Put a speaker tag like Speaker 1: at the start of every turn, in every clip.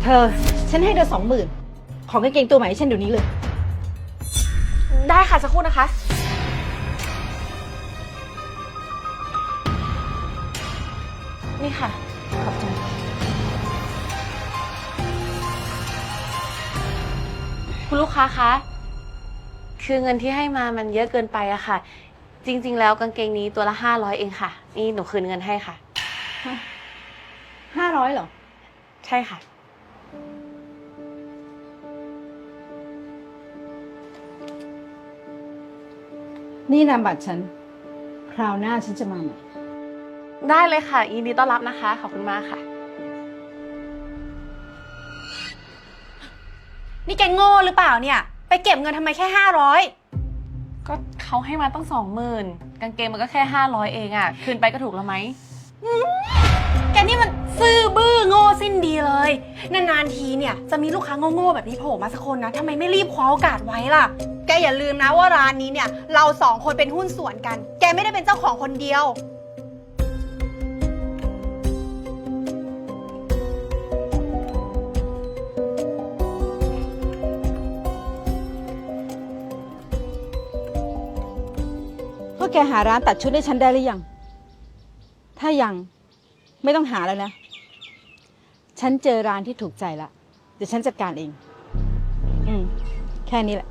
Speaker 1: เธอฉันให้เธอ20,000ของกางเกงตัวใหม่ให้ฉันเดี๋ยวนี้เลย
Speaker 2: ได้ค่ะสักครู่นะคะ นี่ค่ะ ขอบใจคุณลูกค้าคะคือเงินที่ให้มามันเยอะเกินไปอะค่ะ จริงๆแล้วกางเกงนี้ตัวละ500เองค่ะ นี่หนูคืนเงินให้ค่ะ
Speaker 1: 500เหรอ
Speaker 2: ใช่ค่ะ
Speaker 1: นี่นามบัตรฉัน คราวหน้าฉันจะมาใหม่
Speaker 2: ได้เลยค่ะยินดีต้อนรับนะคะ ขอบคุณมากค่ะ
Speaker 3: นี่แกโง่หรือเปล่าเนี่ย ไปเก็บเงินทำไมแค่500
Speaker 2: ก็เขาให้มาตั้ง20,000กางเกงมันก็แค่500เองอะคืนไปก็ถูกแล้วไหม
Speaker 3: แกนี่มันซื่อบื้อโง่สิ้นดีเลย นานๆทีเนี่ยจะมีลูกค้าโง่ๆแบบนี้โผล่มาสักคนนะทำไมไม่รีบคว้าโอกาสไว้ล่ะ แกอย่าลืมนะว่าร้านนี้เนี่ยเรา2คนเป็นหุ้นส่วนกัน แกไม่ได้เป็นเจ้าของคนเดียว
Speaker 1: พวกแกหาร้านตัดชุดให้ฉันได้หรือยัง ถ้ายังไม่ต้องหาแล้วนะ ฉันเจอร้านที่ถูกใจละเดี๋ยวฉันจัดการเอง แค่นี้แหละ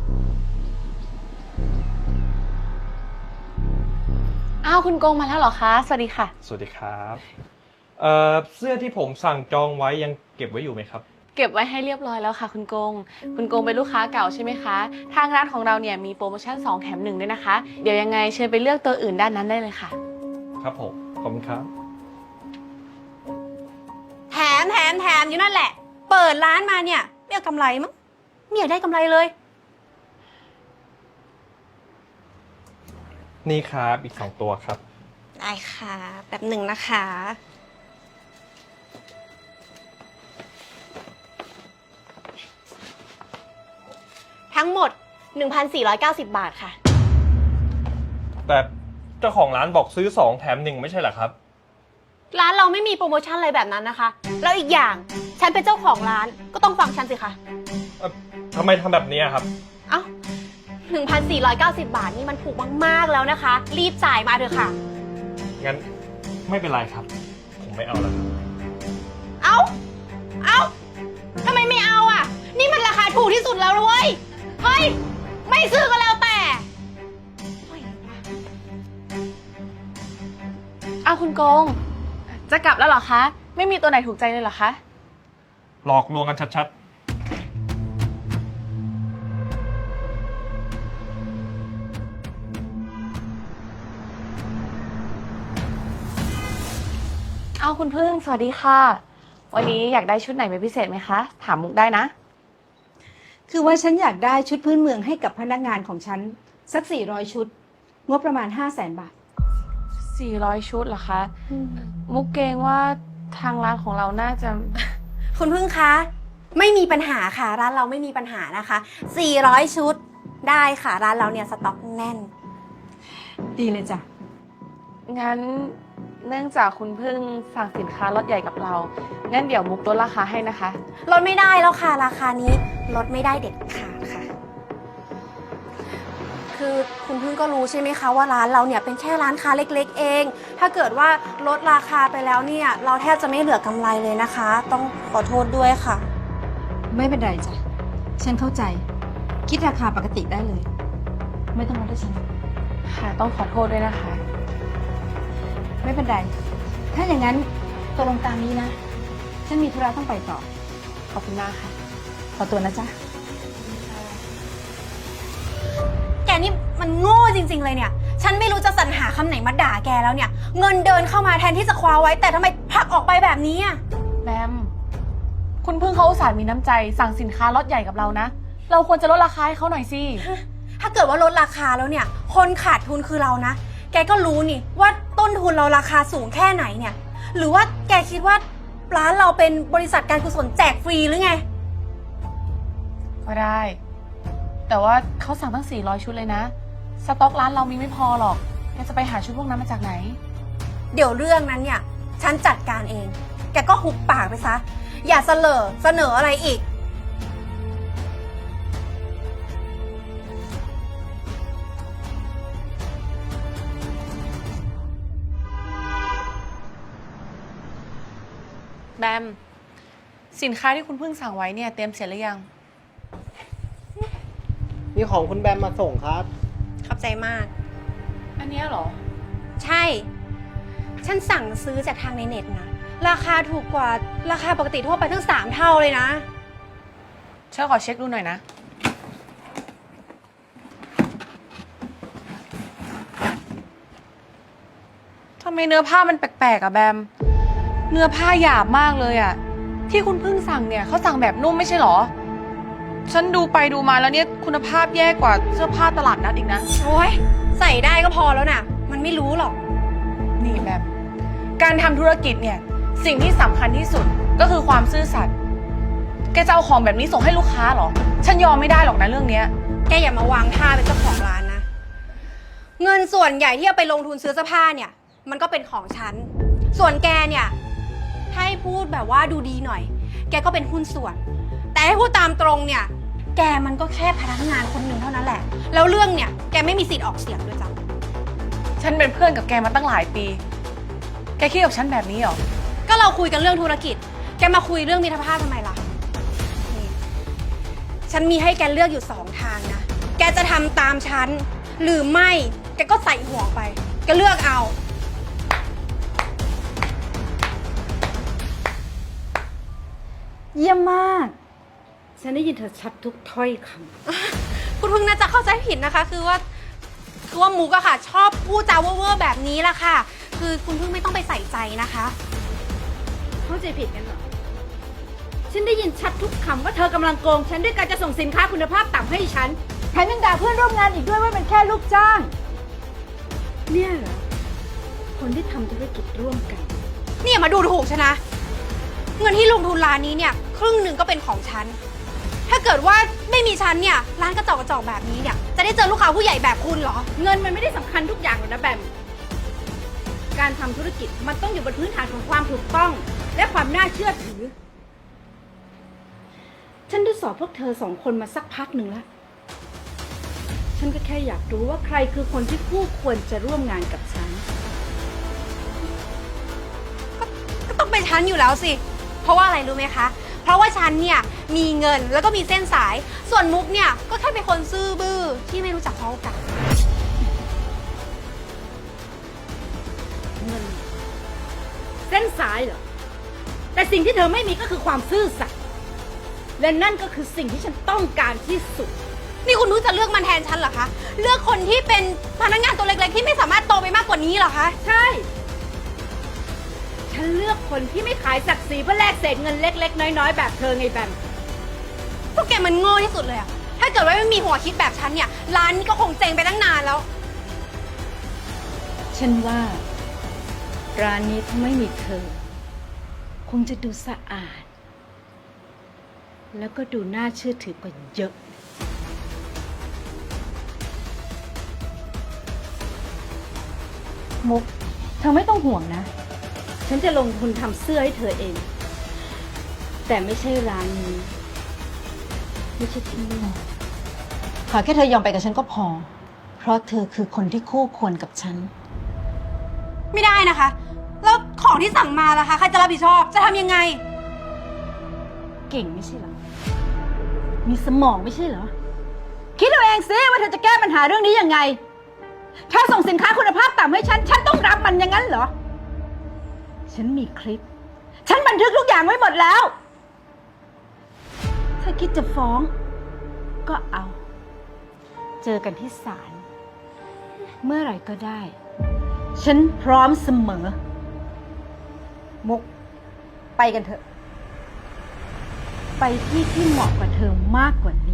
Speaker 2: อ้าวคุณโกงมาแล้วเหรอคะ สวัสดีค่ะ
Speaker 4: สวัสดีครับเสื้อที่ผมสั่งจองไว้ยังเก็บไว้อยู่ไหมครับ
Speaker 2: เก็บไว้ให้เรียบร้อยแล้วค่ะคุณโกง คุณโกงเป็นลูกค้าเก่าใช่ไหมคะ ทางร้านของเราเนี่ยมีโปรโมชั่น2แถม1ด้วยนะคะ เดี๋ยวยังไงเชิญไปเลือกตัวอื่นด้านนั้นได้เลยค่ะ
Speaker 4: ครับผม ขอบคุณครับ
Speaker 3: แถมอยู่นั่นแหละ เปิดร้านมาเนี่ยไม่เอากำไรมั้งไม่อยากได้กำไรเลย
Speaker 4: นี่ครับอีก2ตัวครับ
Speaker 3: ได้ค่ะแบบหนึ่งนะคะ ทั้งหมด 1,490 บาทค่ะ
Speaker 4: แต่เจ้าของร้านบอกซื้อ2แถม1ไม่ใช่เหรอครับ
Speaker 3: ร้านเราไม่มีโปรโมชั่นอะไรแบบนั้นนะคะ แล้วอีกอย่างฉันเป็นเจ้าของร้านก็ต้องฟังฉันสิคะ
Speaker 4: ทำไมทำแบบนี้ครับ
Speaker 3: เอ้า 1,490 บาทนี่มันถูกมากๆแล้วนะคะ รีบจ่ายมาเถอะค่ะ
Speaker 4: งั้นไม่เป็นไรครับ ผมไม่เอาแล้วครับ
Speaker 3: เอ้าทำไมไม่เอาอ่ะ นี่มันราคาถูกที่สุดแล้วนะเว้ย เฮ้ย ไม่ซื้อก็แล้วแต่เฮ้ย
Speaker 2: อ้าวคุณโกง จะกลับแล้วเหรอคะ ไม่มีตัวไหนถูกใจเลยเหรอคะ
Speaker 4: หลอกลวงกันชัด
Speaker 2: อ้าวคุณพึ่งสวัสดีค่ะ วันนี้อยากได้ชุดไหนเป็นพิเศษไหมคะ ถามมุกได้นะ
Speaker 1: คือว่าฉันอยากได้ชุดพื้นเมืองให้กับพนักงานของฉันสัก400ชุด งบประมาณ500,000 บาท
Speaker 2: 400 ชุดเหรอคะ มุกเกรงว่าทางร้านของเราน่าจะ
Speaker 3: คุณพึ่งคะ ไม่มีปัญหาค่ะ ร้านเราไม่มีปัญหานะคะ 400 ชุดได้ค่ะ ร้านเราเนี่ยสต็อกแน่น
Speaker 1: ดีเลยจ้ะ
Speaker 2: งั้นเนื่องจากคุณพึ่งสั่งสินค้าลดใหญ่กับเรา งั้นเดี๋ยวมุกลดราคาให้นะคะ
Speaker 3: ลดไม่ได้แล้วค่ะ ราคานี้ลดไม่ได้เด็ดขาดค่ะ คือคุณพึ่งก็รู้ใช่ไหมคะว่าร้านเราเนี่ยเป็นแค่ร้านค้าเล็กๆเอง ถ้าเกิดว่าลดราคาไปแล้วเนี่ยเราแทบจะไม่เหลือกำไรเลยนะคะ ต้องขอโทษด้วยค่ะ
Speaker 1: ไม่เป็นไรจ้ะ ฉันเข้าใจ คิดราคาปกติได้เลย ไม่ต้องลดให้ฉัน
Speaker 2: ค่ะ ต้องขอโทษด้วยนะคะ
Speaker 1: ไม่เป็นไร ถ้าอย่างนั้นตกลงตามนี้นะ ฉันมีธุระต้องไปต่อ
Speaker 2: ขอบคุณมากค่ะ
Speaker 1: ขอตัวนะจ๊ะ
Speaker 3: แกนี่มันโง่จริงๆเลยเนี่ย ฉันไม่รู้จะสรรหาคำไหนมาด่าแกแล้วเนี่ย เงินเดินเข้ามาแทนที่จะคว้าไว้ แต่ทำไมผลักออกไปแบบนี้อ่ะ
Speaker 2: แบม คุณพึ่งเขาอุตส่าห์มีน้ำใจสั่งสินค้าลดใหญ่กับเรานะ เราควรจะลดราคาให้เขาหน่อยสิ
Speaker 3: ถ้าเกิดว่าลดราคาแล้วเนี่ย คนขาดทุนคือเรานะ แกก็รู้นี่ว่าต้นทุนเราราคาสูงแค่ไหนเนี่ย หรือว่าแกคิดว่าร้านเราเป็นบริษัทการกุศลแจกฟรีหรือไง
Speaker 2: ก็ได้ แต่ว่าเขาสั่งตั้ง400 ชุดเลยนะ สต็อกร้านเรามีไม่พอหรอก แกจะไปหาชุดพวกนั้นมาจากไหน
Speaker 3: เดี๋ยวเรื่องนั้นเนี่ย ฉันจัดการเอง แกก็หุบปากไปซะอย่าเสนออะไรอีก
Speaker 2: แบม สินค้าที่คุณเพิ่งสั่งไว้เนี่ยเตรียมเสร็จหรือยัง
Speaker 5: มีของคุณแบมมาส่งครับ
Speaker 3: ขอบใจมาก
Speaker 2: อันเนี้ยเหรอ
Speaker 3: ใช่ ฉันสั่งซื้อจากทางในเน็ตนะ ราคาถูกกว่าราคาปกติทั่วไปตั้ง3 เท่าเลยนะ
Speaker 2: ฉันขอเช็คดูหน่อยนะ ทำไมเนื้อผ้ามันแปลกๆอะแบม เนื้อผ้าหยาบมากเลยอะที่คุณเพิ่งสั่งเนี่ยเขาสั่งแบบนุ่มไม่ใช่เหรอ ฉันดูไปดูมาแล้วเนี่ยคุณภาพแย่กว่าเสื้อผ้าตลาดนัดอีกนะ
Speaker 3: โอ้ยใส่ได้ก็พอแล้วนะมันไม่รู้หรอก
Speaker 2: นี่แบม การทำธุรกิจเนี่ยสิ่งที่สำคัญที่สุดก็คือความซื่อสัตย์ แกจะเอาของแบบนี้ส่งให้ลูกค้าเหรอ ฉันยอมไม่ได้หรอกนะเรื่องเนี้ย
Speaker 3: แกอย่ามาวางท่าเป็นเจ้าของร้านนะ เงินส่วนใหญ่ที่เอาไปลงทุนซื้อเสื้อผ้าเนี่ย มันก็เป็นของฉัน ส่วนแกเนี่ย ถ้าให้พูดแบบว่าดูดีหน่อย แกก็เป็นหุ้นส่วน แต่ให้พูดตามตรงเนี่ย แกมันก็แค่พนักงานคนหนึ่งเท่านั้นแหละ แล้วเรื่องเนี่ยแกไม่มีสิทธิ์ออกเสียงด้วยจ้ะ
Speaker 2: ฉันเป็นเพื่อนกับแกมาตั้งหลายปี แกคิดกับฉันแบบนี้เหรอ
Speaker 3: ก็เราคุยกันเรื่องธุรกิจ แกมาคุยเรื่องมิตรภาพทำไมล่ะนี่ฉันมีให้แกเลือกอยู่2 ทางนะ แกจะทำตามฉัน หรือไม่ แกก็ใส่หัวไป แกเลือกเอา
Speaker 1: เยี่ยมมาก ฉันได้ยินเธอชัดทุกถ้อยค
Speaker 3: คุณพึ่งน่าจะเข้าใจผิดนะคะ คือว่ามุกอะค่ะ ชอบพูดจาเว่อร์ๆแบบนี้ละค่ะ คือคุณพึ่งไม่ต้องไปใส่ใจนะคะ
Speaker 1: ำเข้าใจผิดกันเหรอ ฉันได้ยินชัดทุกคำว่าเธอกำลังโกงฉันด้วยการจะส่งสินค้าคุณภาพต่ำให้ฉันแถมยังด่าเพื่อนร่วมงานอีกด้วยว่าเป็นแค่ลูกจ้าง เนี่ยเหรอ คนที่ทำธุรกิจร่วมกัน
Speaker 3: เนี่ยมาดูถูกฉันนะ เงินที่ลงทุนร้านนี้เนี่ยครึ่งหนึ่งก็เป็นของฉัน ถ้าเกิดว่าไม่มีฉันเนี่ยร้านกระจอกแบบนี้เนี่ยจะได้เจอลูกค้าผู้ใหญ่แบบคุณเหรอ
Speaker 1: เงินมันไม่ได้สำคัญทุกอย่างหรอกนะแบม การทำธุรกิจมันต้องอยู่บนพื้นฐานของความถูกต้อง และความน่าเชื่อถือ ฉันได้สอบพวกเธอ2 คนมาสักพักหนึ่งแล้ว ฉันก็แค่อยากรู้ว่าใครคือคนที่คู่ควรจะร่วมงานกับฉัน
Speaker 3: ก็ต้องเป็นฉันอยู่แล้วสิ เพราะว่าอะไรรู้ไหมคะ เพราะว่าฉันเนี่ยมีเงินแล้วก็มีเส้นสาย ส่วนมุกเนี่ยก็แค่เป็นคนซื่อบื้อที่ไม่รู้จักเขาโอกาส
Speaker 1: เงิน เส้นสายเหรอ แต่สิ่งที่เธอไม่มีก็คือความซื่อสัตย์และนั่นก็คือสิ่งที่ฉันต้องการที่สุด
Speaker 3: นี่คุณนุ้ยจะเลือกมันแทนฉันเหรอคะ เลือกคนที่เป็นพนักงานตัวเล็กๆที่ไม่สามารถโตไปมากกว่านี้เหรอคะ
Speaker 1: ใช่ ฉันเลือกคนที่ไม่ขายศักดิ์ศรีเพื่อแลกเศษเงินเล็กๆ น้อยๆ แบบเธอไงแบม
Speaker 3: พวกแกมันโง่ที่สุดเลยอะถ้าเกิดว่าไม่มีหัวคิดแบบฉันเนี่ยร้านนี้ก็คงเจ๊งไปตั้งนานแล้ว
Speaker 1: ฉันว่า ร้านนี้ถ้าไม่มีเธอ คงจะดูสะอาด แล้วก็ดูน่าเชื่อถือกว่าเยอะ มุก เธอไม่ต้องห่วงนะ ฉันจะลงทุนทำเสื้อให้เธอเอง แต่ไม่ใช่ร้านนี้ ไม่ใช่ที่นี่ขอแค่เธอยอมไปกับฉันก็พอ เพราะเธอคือคนที่คู่ควรกับฉัน
Speaker 3: ไม่ได้นะคะ แล้วของที่สั่งมาล่ะคะ ใครจะรับผิดชอบ จะทำยังไง
Speaker 1: เก่งไม่ใช่เหรอ มีสมองไม่ใช่เหรอ คิดเอาเองสิว่าเธอจะแก้ปัญหาเรื่องนี้ยังไง ถ้าส่งสินค้าคุณภาพต่ำให้ฉัน ฉันต้องรับมันอย่างนั้นเหรอ ฉันมีคลิป ฉันบันทึกทุกอย่างไว้หมดแล้ว ถ้าคิดจะฟ้อง ก็เอา เจอกันที่ศาล เมื่อไหร่ก็ได้ ฉันพร้อมเสมอ มุก ไปกันเถอะ ไปที่ที่เหมาะกว่าเธอมากกว่านี้